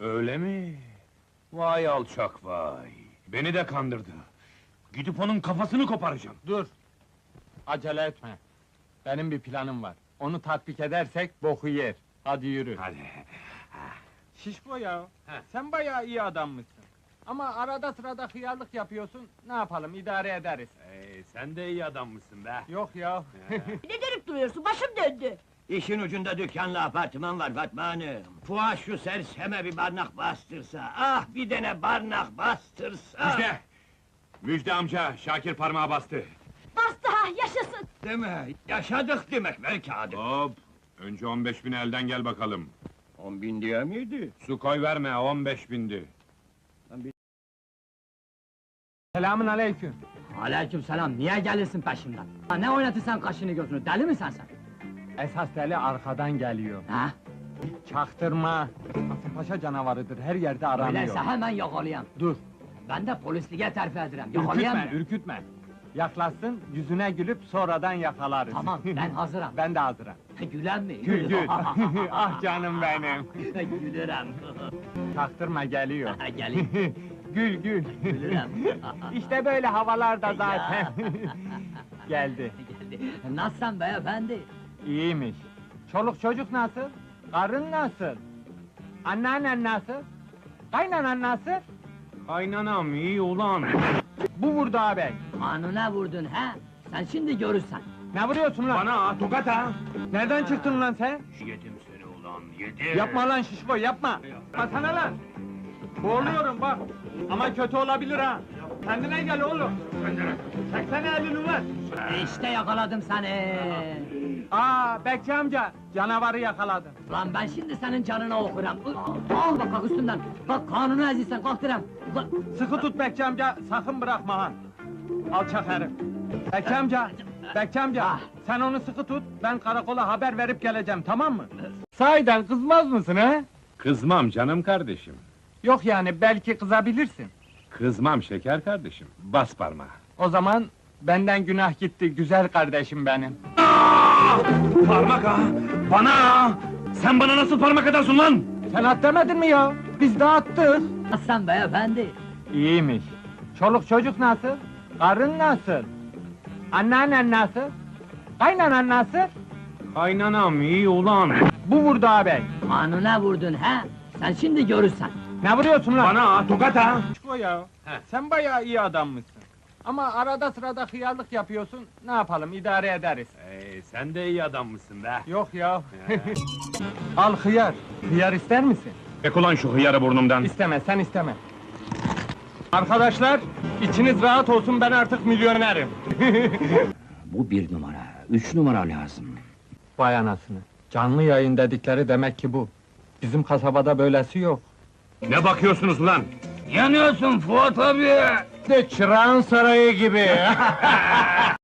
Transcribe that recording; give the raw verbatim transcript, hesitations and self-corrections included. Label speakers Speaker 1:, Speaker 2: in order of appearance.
Speaker 1: Öyle mi? Vay alçak vay! Beni de kandırdı! Gidip onun kafasını koparacağım!
Speaker 2: Dur! Acele etme! Benim bir planım var. Onu tatbik edersek boku yer. Hadi yürü.
Speaker 1: Hadi!
Speaker 2: Şişko ya!
Speaker 1: He.
Speaker 2: Sen bayağı iyi adammışsın. Ama arada sırada hıyarlık yapıyorsun, ne yapalım, idare ederiz.
Speaker 1: Ee, sen de iyi adammışsın be!
Speaker 2: Yok ya!
Speaker 3: Ne dönüp duruyorsun? Başım döndü.
Speaker 4: İşin ucunda dükkanla apartman var Fatma Hanım. Fuat şu serseme bir barnak bastırsa, ah bir tane barnak bastırsa!
Speaker 1: Müjde! Müjde amca, Şakir parmağı bastı!
Speaker 3: Bastı ha, yaşasın!
Speaker 4: Değil mi? Yaşadık demek, ver kağıdı!
Speaker 1: Hop! Önce on beş bin elden gel bakalım!
Speaker 4: On bin diye miydi?
Speaker 1: Su koy verme, on beş bindi!
Speaker 2: Selamün aleyküm!
Speaker 5: Aleykümselam, niye gelirsin peşimden? Ha, ne oynatırsan kaşını gözünü, deli misin sen?
Speaker 2: Esas deli arkadan geliyor.
Speaker 5: Ha?
Speaker 2: Çaktırma! Kasımpaşa canavarıdır, her yerde aranıyor.
Speaker 5: Öyleyse hemen yakalayayım.
Speaker 2: Dur!
Speaker 5: Ben de polisliğe terfi ederim,
Speaker 2: Ürkütme,
Speaker 5: yakalayayım mı?
Speaker 2: ürkütme! Yaklaşsın, yüzüne gülüp sonradan yakalarız.
Speaker 5: Tamam, ben hazırım.
Speaker 2: Ben de hazırım.
Speaker 5: Gülen mi?
Speaker 2: Gül gül! Ah canım benim!
Speaker 5: Gülürüm.
Speaker 2: Çaktırma geliyor.
Speaker 5: Gelin.
Speaker 2: Gül gül!
Speaker 5: Gülürüm.
Speaker 2: İşte böyle havalarda zaten! Geldi.
Speaker 5: Geldi. Nasılsın beyefendi?
Speaker 2: İyiymiş. Çoluk çocuk nasıl? Karın nasıl? Anneannen nasıl? Kaynanan nasıl?
Speaker 1: Kaynanam iyi ulan!
Speaker 2: Bu vurdu ağabey.
Speaker 5: Kanuna vurdun ha? Sen şimdi görürsen.
Speaker 2: Ne vuruyorsun lan?
Speaker 1: Bana ha, tokat ha!
Speaker 2: Nereden çıktın lan sen?
Speaker 1: Yedim seni ulan, yedim!
Speaker 2: Yapma lan şişko, yapma! Basana lan! Boğuluyorum bak! Ama kötü olabilir ha! Kendine gel oğlum! Çeksene elini ver!
Speaker 5: İşte yakaladım seni.
Speaker 2: Aa, Bekçi amca, canavarı yakaladım.
Speaker 5: Lan ben şimdi senin canına okuram. Al bak bak üstünden. Bak kanunu ezilsen kalk direm. Ulan,
Speaker 2: Sıkı tut Bekçi amca, sakın bırakma ha! Alçak herif! Bekçi amca, Bekçi amca,
Speaker 5: Ah.
Speaker 2: sen onu sıkı tut, ben karakola haber verip geleceğim, tamam mı? Sahiden kızmaz mısın ha?
Speaker 1: Kızmam canım kardeşim!
Speaker 2: Yok yani, belki kızabilirsin.
Speaker 1: Kızmam şeker kardeşim, bas parmağı!
Speaker 2: O zaman, benden günah gitti, güzel kardeşim benim.
Speaker 1: Parmak ha! Bana ha! Sen bana nasıl parmak atarsın lan?
Speaker 2: Sen at demedin mi ya? Biz de attık.
Speaker 5: Nasılsın beyefendi?
Speaker 2: İyiymiş. Çoluk çocuk nasıl? Karın nasıl? Anneannen nasıl? Kaynanan nasıl?
Speaker 1: Kaynanam iyi ulan!
Speaker 2: Bu vurdu ağabey.
Speaker 5: Kanuna vurdun ha? Sen şimdi görürsen.
Speaker 2: Ne vuruyorsun lan?
Speaker 1: Bana ha, tokat ha!
Speaker 2: Şişko ya,
Speaker 1: He.
Speaker 2: sen bayağı iyi adammışsın. Ama arada sırada hıyarlık yapıyorsun, ne yapalım, idare ederiz.
Speaker 1: Ee, sen de iyi adammışsın be!
Speaker 2: Yok ya. Al hıyar. Hıyar ister misin?
Speaker 1: Çek ulan şu hıyarı burnumdan!
Speaker 2: İsteme, sen isteme. Arkadaşlar, içiniz rahat olsun, ben artık milyonerim.
Speaker 5: Bu bir numara, üç numara lazım.
Speaker 2: Vay anasını. Canlı yayın dedikleri demek ki bu. Bizim kasabada böylesi yok.
Speaker 1: Ne bakıyorsunuz lan?
Speaker 4: Yanıyorsun Fuat abi!
Speaker 2: De çırağın sarayı gibi.